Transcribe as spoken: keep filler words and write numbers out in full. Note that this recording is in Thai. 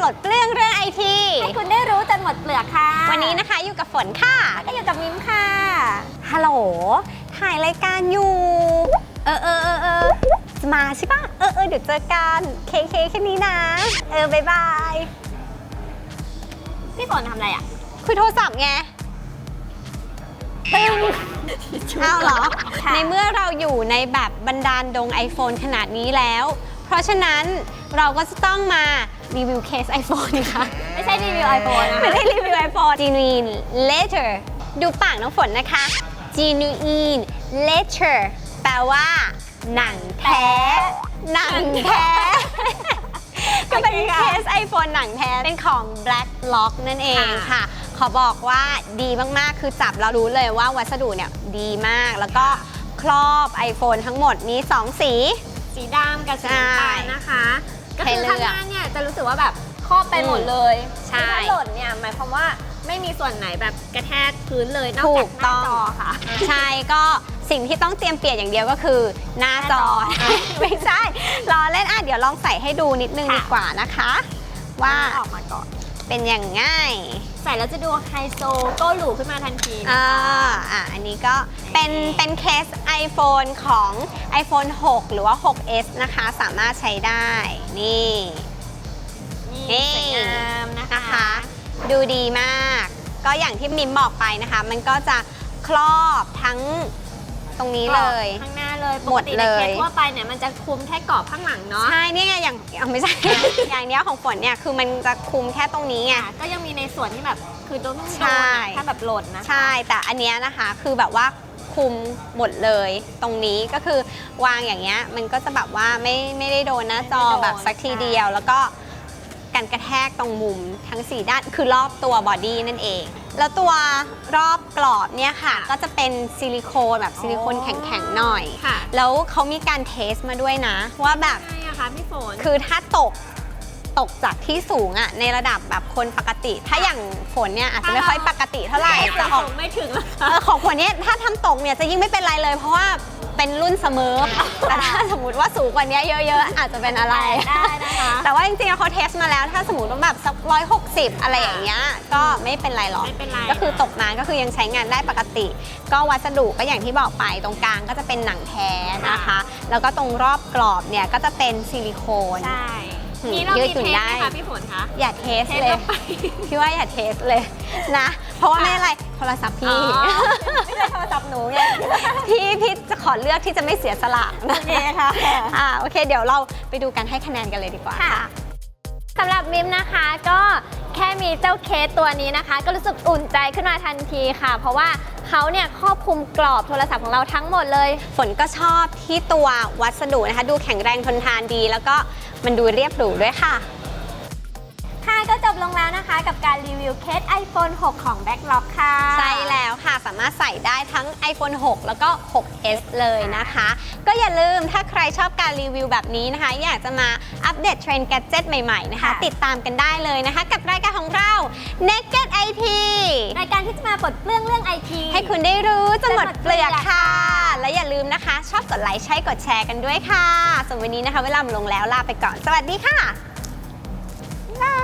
ลดเปลื้องเรื่องไอทีให้คุณได้รู้จนหมดเปลือกค่ะวันนี้นะคะอยู่กับฝนค่ะก็อยู่กับมิมค่ะฮัลโหลถ่ายรายการอยู่เออเออเออเออมาใช่ปะเออเออเดี๋ยวเจอกันเคเคแค่นี้นะเออบายบายพี่ฝนทำอะไรอ่ะคุยโทรศัพท์ไงตึ้งเอาเหรอในเมื่อเราอยู่ในแบบบรรดาลดง iPhone ขนาดนี้แล้วเพราะฉะนั้นเราก็จะต้องมารีวิวเคส iPhone ค่ะไม่ใช่รีวิว iPhone นะไม่ได้รีวิว iPhone genuine leather ดูปากน้องฝนนะคะ genuine leather แปลว่าหนังแท้หนังแท้ก็เป็นเคส iPhone หนังแท้เป็นของ Black Lock นั่นเองค่ะขอบอกว่าดีมากๆคือจับแล้วรู้เลยว่าวัสดุเนี่ยดีมากแล้วก็ครอบ iPhone ทั้งหมดมีสองสีสีดำกับสีน้ำตาลนะคะก็คือข้างหน้าเนี่ยจะรู้สึกว่าแบบครอบไปหมดเลยใช่ถ้าหล่นเนี่ยหมายความว่าไม่มีส่วนไหนแบบกระแทกพื้นเลยนอกจากหน้าจอค่ะใช่ก็สิ่งที่ต้องเตรียมเปลี่ยนอย่างเดียวก็คือหน้าจอไม่ใช่รอเล่นอ่ะเดี๋ยวลองใส่ให้ดูนิดนึงดีกว่านะคะว่าออกมาก่อนเป็นอย่างง่ายใส่แล้วจะดูไฮโซโก้หรูขึ้นมาทันทีอ่าอ่ะอันนี้ก็เป็นเป็นเคส iPhone ของ iPhone หก หรือว่า หก เอส นะคะสามารถใช้ได้นี่นี่สวยงามนะคะดูดีมากก็อย่างที่มิมบอกไปนะคะมันก็จะครอบทั้งตรงนี้เลยข้างหน้าเลยหมดเลยเคสทั่วไปเนี่ยมันจะคุมแค่กรอบข้างหลังเนาะใช่เนี่ยอย่างไม่ใช่ อย่างเนี้ยของฝนเนี่ยคือมันจะคุมแค่ตรงนี้ไงก็ยังมีในส่วนที่แบบคือต้องโดนถ้าแบบหล่นนะใช่แต่อันเนี้ยนะคะคือแบบว่าคุมหมดเลยตรงนี้ก็คือวางอย่างเงี้ยมันก็จะแบบว่าไม่ไม่ได้โดนหน้าจอแบบสักทีเดียวแล้วก็กันกระแทกตรงมุมทั้งสี่ด้านคือรอบตัวบอดี้นั่นเองแล้วตัวรอบกรอบเนี่ยค่ะก็จะเป็นซิลิโคนแบบซิลิโคนแข็งๆหน่อยแล้วเขามีการเทสมาด้วยนะว่าแบบใช่ค่ะพี่ฝนคือถ้าตกตกจากที่สูงอะในระดับแบบคนปกติถ้าอย่างฝนเนี่ยอาจจะไม่ค่อยปกติเท่าไหร่แต่ของไม่ถึงของฝนเนี่ยถ้าทำตกเนี่ยจะยิ่งไม่เป็นไรเลยเพราะว่าเป็นรุ่นเสมอแต่ถ้าสมมติว่าสูงกว่านี้เยอะๆอาจจะเป็นอะไรได้นะคะแต่ว่าจริงๆเขาเทสมาแล้วถ้าสมมติว่าแบบสักร้อยหกสิบอะไรอย่างเงี้ยก็ไม่เป็นไรหรอกก็คือตกมาก็คือยังใช้งานได้ปกติก็วัสดุก็อย่างที่บอกไปตรงกลางก็จะเป็นหนังแท้นะคะแล้วก็ตรงรอบกรอบเนี่ยก็จะเป็นซิลิโคนใช่มีเรามีเทสไหมคะพี่ฝนคะอย่าเทสเลยพี่ว่าอย่าเทสเลยนะเพราะว่าไม่อะไรโทรศัพท์พี่ไม่ใช่โทรศัพท์หนูไงพี่พี่จะขอเลือกที่จะไม่เสียสละโอเคค่ะอ่าโอเคเดี๋ยวเราไปดูกันให้คะแนนกันเลยดีกว่าค่ะสำหรับมิมนะคะก็แค่มีเจ้าเคสตัวนี้นะคะก็รู้สึกอุ่นใจขึ้นมาทันทีค่ะเพราะว่าเขาเนี่ยครอบคลุมกรอบโทรศัพท์ของเราทั้งหมดเลยฝนก็ชอบที่ตัววัสดุนะคะดูแข็งแรงทนทานดีแล้วก็มันดูเรียบหรูด้วยค่ะค่ะก็จบลงแล้วนะคะกับการรีวิวเคส iPhone หก ของ Blacklock ค่ะใช่แล้วค่ะสามารถใส่ได้ทั้ง iPhone หก แล้วก็ หก เอส เลยนะคะก็อย่าลืมถ้าใครชอบการรีวิวแบบนี้นะคะอยากจะมาอัปเดตเทรนด์แกดเจ็ตใหม่ๆนะคะติดตามกันได้เลยนะคะกับรายการของเรา Naked ไอ ทีรายการที่จะมาปลดเปลื้องเรื่อง ไอ ทีให้คุณได้รู้จนหมดเปลือกค่ะและอย่าลืมนะคะชอบกดไลค์ใช่กดแชร์กันด้วยค่ะส่วนวันนี้นะคะเวลาหมดลงแล้วลาไปก่อนสวัสดีค่ะบ๊ายบาย